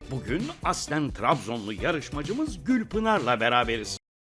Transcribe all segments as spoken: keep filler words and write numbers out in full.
Bugün aslen Trabzonlu yarışmacımız Gülpınar'la beraberiz.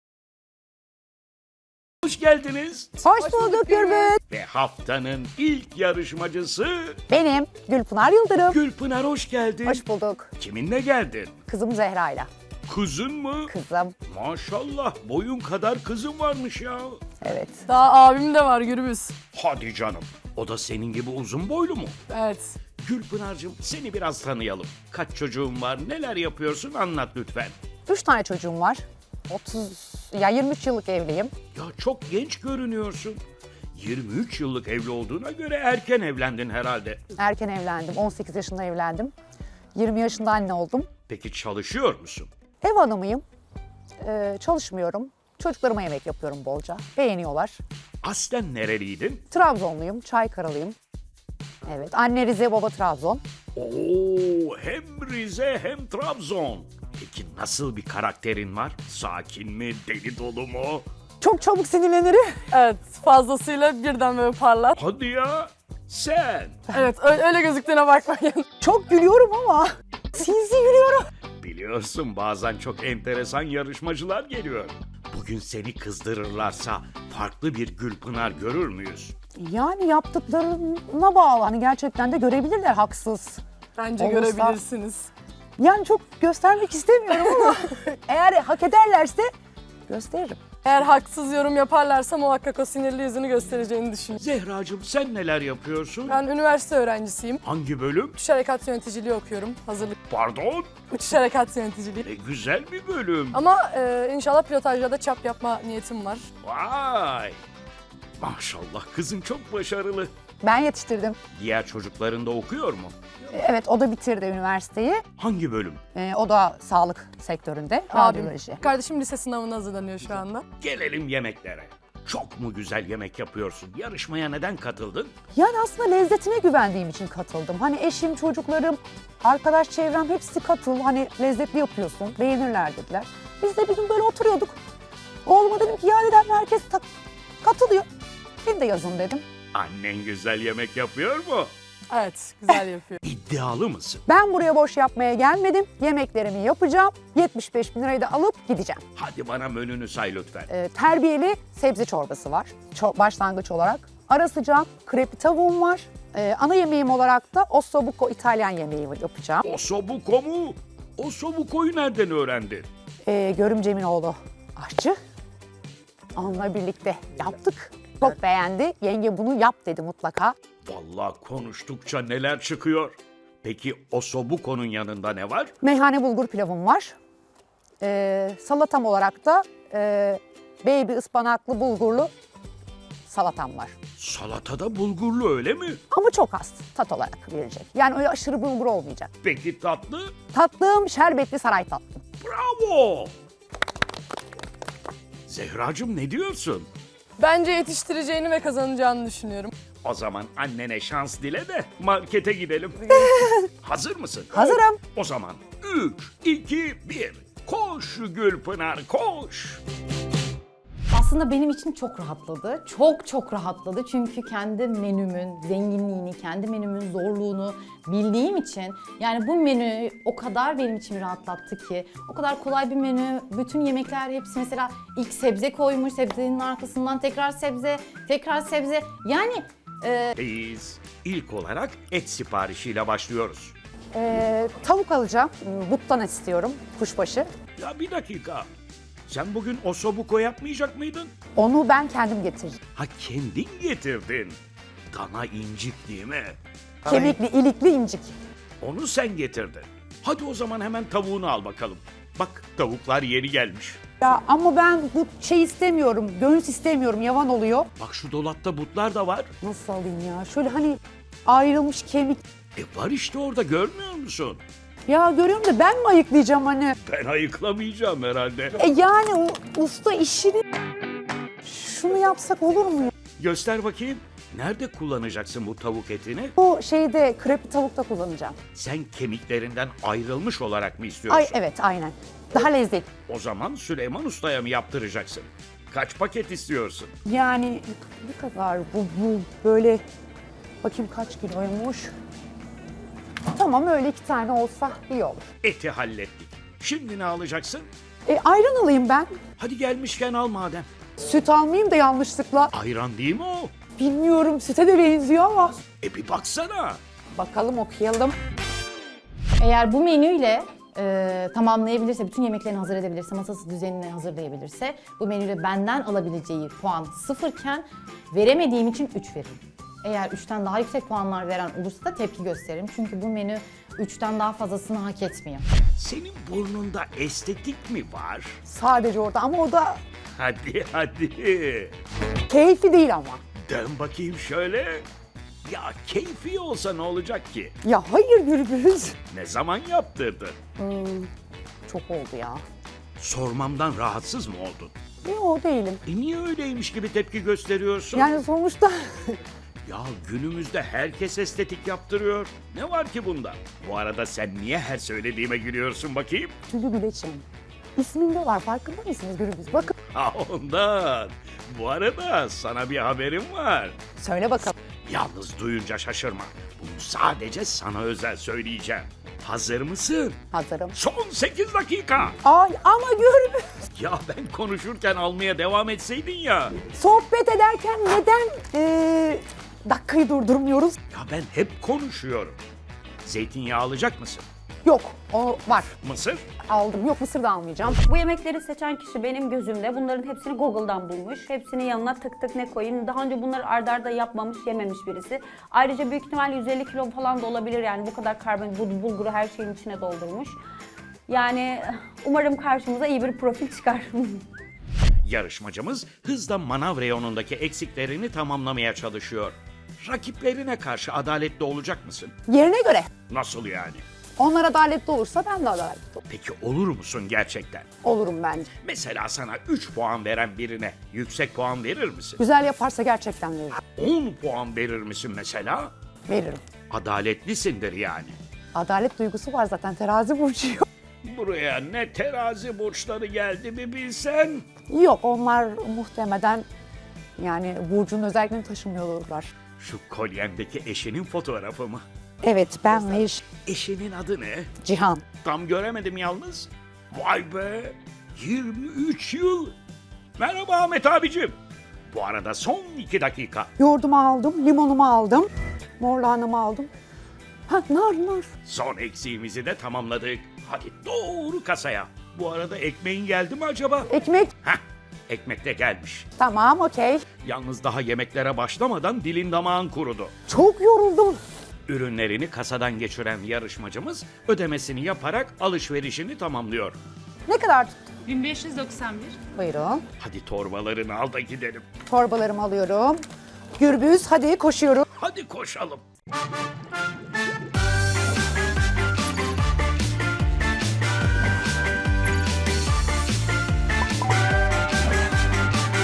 Hoş geldiniz. Hoş bulduk Gürbüz. Ve haftanın ilk yarışmacısı Benim Gülpınar Yıldırım. Gülpınar, hoş geldin. Hoş bulduk. Kiminle geldin? Kızım Zehra'yla. Kızın mı? Kızım. Maşallah, boyun kadar kızın varmış ya. Evet. Daha abim de var Gürbüz. Hadi canım. O da senin gibi uzun boylu mu? Evet. Gülpınar'cığım, seni biraz tanıyalım. Kaç çocuğun var, neler yapıyorsun, anlat lütfen. Üç tane çocuğum var. otuz, ya yirmi üç yıllık evliyim. Ya çok genç görünüyorsun. yirmi üç yıllık evli olduğuna göre erken evlendin herhalde. Erken evlendim. on sekiz yaşında evlendim. yirmi yaşında anne oldum. Peki çalışıyor musun? Ev hanımıyım. Ee, çalışmıyorum. Çocuklarıma yemek yapıyorum bolca. Beğeniyorlar. Aslen nereliydin? Trabzonluyum. Çaykaralıyım. Evet. Anne Rize, baba Trabzon. Oo, hem Rize hem Trabzon. Peki nasıl bir karakterin var? Sakin mi, deli dolu mu? Çok çabuk sinirlenirim. Evet, fazlasıyla birden böyle parlar. Hadi ya, sen. Evet, öyle, öyle gözüktüğüne bakmayın. Çok gülüyorum ama sinsi gülüyorum. Biliyorsun, bazen çok enteresan yarışmacılar geliyor. Bugün seni kızdırırlarsa farklı bir Gülpınar görür müyüz? Yani yaptıklarına bağlı. Hani gerçekten de görebilirler haksız. Bence Olursa- görebilirsiniz. Yani çok göstermek istemiyorum ama eğer hak ederlerse gösteririm. Eğer haksız yorum yaparlarsa muhakkak o sinirli yüzünü göstereceğini düşünüyorum. Zehracığım, sen neler yapıyorsun? Ben üniversite öğrencisiyim. Hangi bölüm? Uçuş harekat yöneticiliği okuyorum. Hazırlık Pardon? uçuş harekat yöneticiliği. Ne güzel bir bölüm. Ama e, inşallah pilotajda da çap yapma niyetim var. Vay! Maşallah, kızın çok başarılı. Ben yetiştirdim. Diğer çocukların da okuyor mu? Evet, o da bitirdi üniversiteyi. Hangi bölüm? Ee, o da sağlık sektöründe. Abim. Radyoloji. Kardeşim lise sınavına hazırlanıyor şu anda. Gelelim yemeklere. Çok mu güzel yemek yapıyorsun? Yarışmaya neden katıldın? Yani aslında lezzetine güvendiğim için katıldım. Hani eşim, çocuklarım, arkadaş çevrem hepsi katıl. Hani lezzetli yapıyorsun, beğenirler dediler. Biz de bir gün böyle oturuyorduk. Oğluma dedim ki ya dedim herkes ta- katılıyor. Beni de yazın dedim. Annen güzel yemek yapıyor mu? Evet, güzel yapıyor. İddialı mısın? Ben buraya boş yapmaya gelmedim. Yemeklerimi yapacağım. yetmiş beş bin lirayı da alıp gideceğim. Hadi bana menünü say lütfen. Ee, terbiyeli sebze çorbası var. Ço- başlangıç olarak. Ara sıcak krepi tavuğum var. Ee, ana yemeğim olarak da ossobuco İtalyan yemeği yapacağım. Osobuco mu? Osobuco'yu nereden öğrendin? Ee, Görümcemin oğlu aşçı. Onunla birlikte yaptık. Çok beğendi. Yenge bunu yap dedi mutlaka. Vallahi konuştukça neler çıkıyor. Peki Osobuco'nun yanında ne var? Meyhane bulgur pilavım var. Ee, salatam olarak da e, baby ıspanaklı bulgurlu salatam var. Salatada bulgurlu, öyle mi? Ama çok az tat olarak verecek. Yani öyle aşırı bulgur olmayacak. Peki tatlı? Tatlım şerbetli saray tatlım. Bravo! Zehracığım, ne diyorsun? Bence yetiştireceğini ve kazanacağını düşünüyorum. O zaman annene şans dile de markete gidelim. Hazır mısın? Hazırım. O zaman üç, iki, bir. Koş Gülpınar, koş. Aslında benim için çok rahatladı. Çok çok rahatladı. Çünkü kendi menümün zenginliğini, kendi menümün zorluğunu bildiğim için yani bu menü o kadar benim için rahatlattı ki. O kadar kolay bir menü. Bütün yemekler hepsi mesela ilk sebze koymuş, sebzenin arkasından tekrar sebze, tekrar sebze. Yani e, Biz ilk olarak et siparişiyle başlıyoruz. Ee, tavuk alacağım. Buttan istiyorum. Kuşbaşı. Ya bir dakika. Sen bugün osobuco yapmayacak mıydın? Onu ben kendim getireceğim. Ha, kendin getirdin. Dana incik değil mi? Kemikli, ilikli incik. Onu sen getirdin. Hadi o zaman hemen tavuğunu al bakalım. Bak, tavuklar yeni gelmiş. Ya ama ben bu şey istemiyorum. Göğüs istemiyorum. Yavan oluyor. Bak, şu dolapta butlar da var. Nasıl alayım ya? Şöyle hani ayrılmış kemik. E var işte orada, görmüyor musun? Ya görüyorum da ben mi ayıklayacağım hani? Ben ayıklamayacağım herhalde. E yani o usta işini... Şunu yapsak olur mu ya? Göster bakayım. Nerede kullanacaksın bu tavuk etini? Bu şeyde krepi tavukta kullanacağım. Sen kemiklerinden ayrılmış olarak mı istiyorsun? Ay evet aynen. Daha lezzetli. O zaman Süleyman Usta'ya mı yaptıracaksın? Kaç paket istiyorsun? Yani ne kadar bu, bu böyle... Bakayım kaç kiloymuş. Tamam. Tamam, öyle iki tane olsa iyi olur. Eti hallettik. Şimdi ne alacaksın? E, ayran alayım ben. Hadi gelmişken al madem. Süt almayayım da yanlışlıkla. Ayran değil mi o? Bilmiyorum, süte de benziyor ama. E bir baksana. Bakalım, okuyalım. Eğer bu menüyle e, tamamlayabilirse, bütün yemeklerini hazır edebilirse, masası düzenini hazırlayabilirse, bu menüyle benden alabileceği puan sıfırken veremediğim için üç veririm. Eğer üçten daha yüksek puanlar veren olursa da tepki gösteririm. Çünkü bu menü üçten daha fazlasını hak etmiyor. Senin burnunda estetik mi var? Sadece orada ama o da Hadi hadi. keyfi değil ama. Dön bakayım şöyle. Ya keyfi olsa ne olacak ki? Ya hayır Gürbüz. Ne zaman yaptırdın? Çok oldu ya. Sormamdan rahatsız mı oldun? Yok, değilim. E niye öyleymiş gibi tepki gösteriyorsun? Yani sonuçta Ya günümüzde herkes estetik yaptırıyor. Ne var ki bunda? Bu arada sen niye her söylediğime gülüyorsun bakayım? Tülü Güleç'im. İsminde var, farkında mısınız Gürbüz? Bakın, Ha ondan. Bu arada sana bir haberim var. söyle bakalım. Yalnız duyunca şaşırma. Bunu sadece sana özel söyleyeceğim. Hazır mısın? Hazırım. Son sekiz dakika. Ay ama Gürbüz. Ya ben konuşurken almaya devam etseydin ya. Sohbet ederken neden eee, dakikayı durdurmuyoruz? Ya ben hep konuşuyorum. Zeytinyağı alacak mısın? Yok, o var. Mısır? Aldım. Yok, mısır da almayacağım. Bu yemekleri seçen kişi benim gözümde bunların hepsini Google'dan bulmuş. Hepsinin yanına tık tık ne koyayım. Daha önce bunları arda arda yapmamış, yememiş birisi. Ayrıca büyük ihtimalle yüz elli kilo falan da olabilir yani bu kadar karbonhidrat, bu bulguru her şeyin içine doldurmuş. Yani umarım karşımıza iyi bir profil çıkar. Yarışmacımız hızla manav reyonundaki eksiklerini tamamlamaya çalışıyor. Rakiplerine karşı adaletli olacak mısın? Yerine göre. Nasıl yani? Onlar adaletli olursa ben de adaletli olurum. Peki olur musun gerçekten? Olurum bence. Mesela sana üç puan veren birine yüksek puan verir misin? Güzel yaparsa gerçekten veririm. on puan verir misin mesela? Veririm. Adaletlisindir yani. Adalet duygusu var zaten, terazi burcuyum. Buraya ne terazi burçları geldi bir bilsen. Yok, onlar muhtemelen yani burcun özelliklerini taşımıyor olurlar. Şu kolyendeki eşinin fotoğrafı mı? Evet, ben ve eş- Eşinin adı ne? Cihan. Tam göremedim yalnız. Vay be! yirmi üç yıl. Merhaba Ahmet abicim. Bu arada son iki dakika. Yoğurdumu aldım, limonumu aldım, mor lahanamı aldım. Ha, nar nar. Son eksiğimizi de tamamladık. Hadi doğru kasaya. Bu arada ekmeğin geldi mi acaba? Ekmek. Heh, ekmek de gelmiş. Tamam, okey. Yalnız daha yemeklere başlamadan dilin damağın kurudu. Çok yoruldum. Ürünlerini kasadan geçiren yarışmacımız ödemesini yaparak alışverişini tamamlıyor. Ne kadar tuttu? bin beş yüz doksan bir. Buyurun. Hadi torbalarını al da gidelim. Torbalarımı alıyorum. Gürbüz, hadi koşuyorum. Hadi koşalım.